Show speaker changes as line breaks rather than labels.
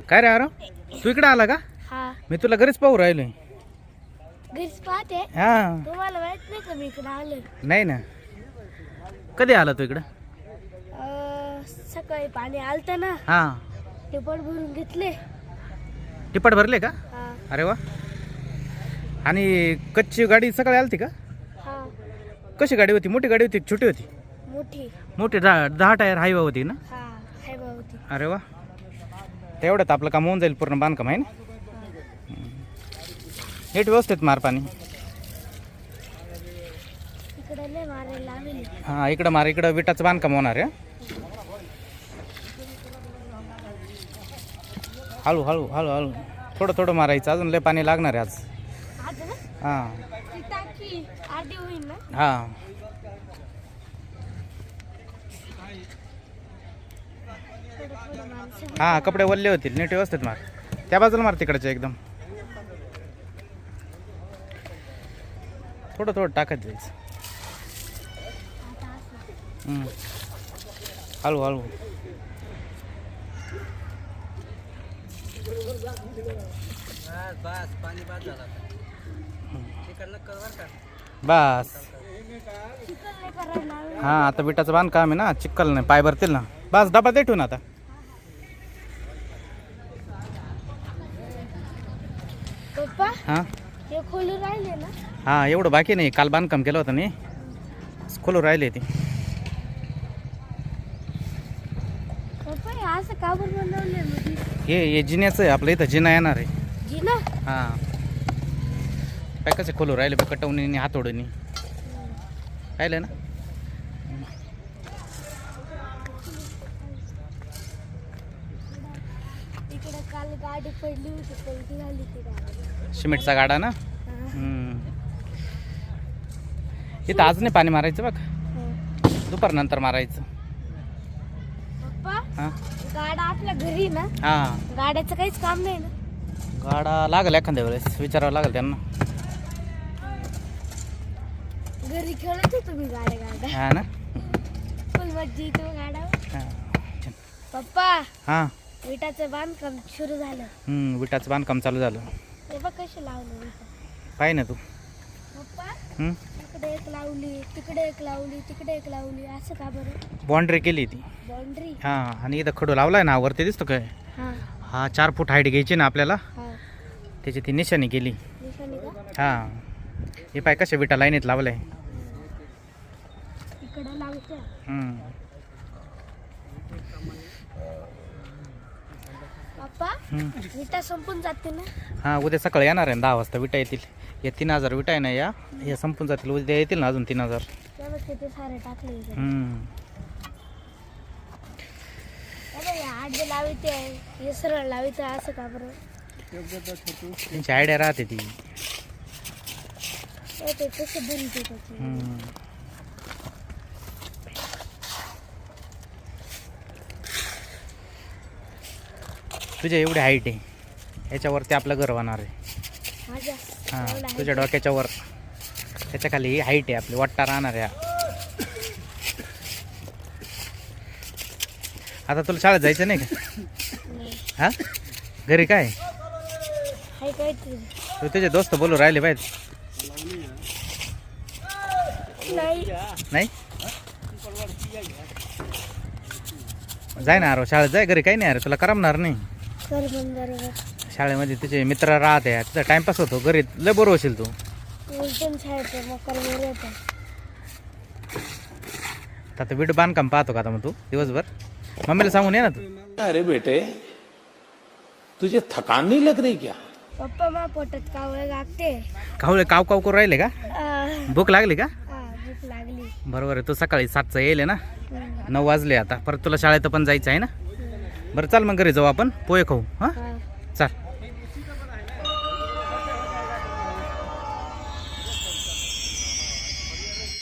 काय रे आरो तू इकडे आला का?
हा
मी तुला घरीच पाहू राहिलोय.
घरीच पाहते.
हा
तुम्हाला माहित नाही का मी इकडे आले?
नाही ना. कधी आला तू इकडं?
सकाळी पाणी आलतं ना,
हा
टिपट भरून घेतले.
टिपट भरले का?
हा
अरे वा. आणि कच्ची गाडी सकाळी आलती का?
हा
कशी गाडी होती? मोठी गाडी होती छोटी होती?
मोठी.
मोठी 10 टायर हायवा होती ना?
हा हाय होती.
अरे वा. तेवढ्यात आपलं काम होऊन जाईल पूर्ण बांधकाम आहे ना. नीट व्यवस्थित मार पाणी.
इकडे नाही मारायला लावली.
हा इकडं मार. इकडं विटाचं बांधकाम होणार आहे. हळू हळू हळू हळू थोडं थोडं मारायचं. अजून लय पाणी लागणार आहे आज.
आज ना
हां
ती टाकी आधी होईल ना.
हां
थोडं माणसं.
हां कपडे वल्ले होतील. नीट व्यवस्थित मार. त्या बाजूला मार तिकडचे एकदम. थोडं थोडं टाकत जायचं. हळू हळू. बस.
चिकन नाही करायला लावली.
हां आता विटाचं बांधकाम आहे ना, चिक्कल नाही, पाय भरतील ना. बस डबा दे ठेवून आता.
पप्पा
हां
हे खोलू राहिले ना.
हां एवढं बाकी नाही. काल बांधकाम केलं होतं नाही, खोलू राहिले ते.
पप्पा हे असं का बरं बनवलंय मध्ये?
हे जिन्याचं आहे आपलं. इथं जिना येणार आहे.
जिना.
हां काय कसे खोलू राहिले बघ, कटवणीने हातोडीने राहिले ना.
इकडे काल गाडी पडली होती, पलटी झाली ती गाडी.
सिमेंटचा गाडा ना. इथं आज नाही पाणी मारायचं बघ, दुपार नंतर मारायचं.
पप्पा
हां
गाडा आपल्या घरी ना.
हां
गाड्याचं काहीच काम नाही ना.
गाडा लागेल एखाद्या वेळेस, विचारावं लागेल त्यांना.
घरी खेळत होतो मी गाड्या.
हा ना.
फुल मज्जा येतो गाड्यावर.
हां
पप्पा
हां
विटाचं बांधकाम सुरू झालं.
विटाचं बांधकाम चालू झालं.
ते बघ कशी लावलं विटा.
पाहि ना तू.
पप्पा
हं?
इकडे एक लावली, तिकडे एक लावली, तिकडे एक लावली. असं का बरं?
बाउंड्री केली ती.
बाउंड्री.
हां आणि इथं खडू लावलाय ना वरती, दिसतो काय?
हा
हा 4 फूट हाईट घ्यायची ना आपल्याला,
हा
त्याची ती निशाणी केली.
निशाणी का?
हां हे पाय कशा विटा लाईनीत लावलंय.
इकडे लावते. पप्पा विटा संपून जाते ना.
हां उद्या सकाळी येणार आहे 10 वाजता विटा येतील. या 3000 विटा आहे ना, या संपून जातील. उद्या येतील ना अजून 3000.
तेव्हा किती सारे टाकले इकडे. अरे या आडे लावते, हे सरळ लावते. असं का बरं?
त्यांची आयडिया राहते ती.
ते कसं बनते त्याची.
तुझ्या एवढी हाईट आहे, याच्यावरती आपलं घर होणार आहे.
माझ्या
हां तुझ्या डोक्याच्या वर, त्याच्या खाली ही हाईट आहे आपली. वाट्टा राहणार आहे. आता तुला शाळेत जायचं नाही का? हां घरी काय
हाय काय ते
तू तुझे दोस्त बोलू राहिले पाहिजे.
नाही.
नाही जाय ना अरे शाळेत जाय. घरी काही नाही अरे, तुला करमणार नाही.
कर बरोबर.
शाळेमध्ये तुझे मित्र राहते, तुझा टाइमपास होतो. घरी लय बोर होशील तू.
उलटून शाळेत मग कर बरोबर.
आता वीट बांधकाम पाहतो का आता मग तू दिवसभर? मम्मीला सांगून ये ना तू.
अरे बेटे तुझे थकान नहीं लग रही क्या?
पप्पा मा पोटात कावळे लागते.
कावळे काव काव करू राहिले का? भूक लागली का?
भूक लागली.
बरोबर आहे. तू सकाळी 7चा येईल ना, 9 वाजले आता. परत तुला शाळेत पण जायचं आहे ना. बरं चाल मग घरी जाऊ आपण, पोहे खाऊ. हां
हा
चाल.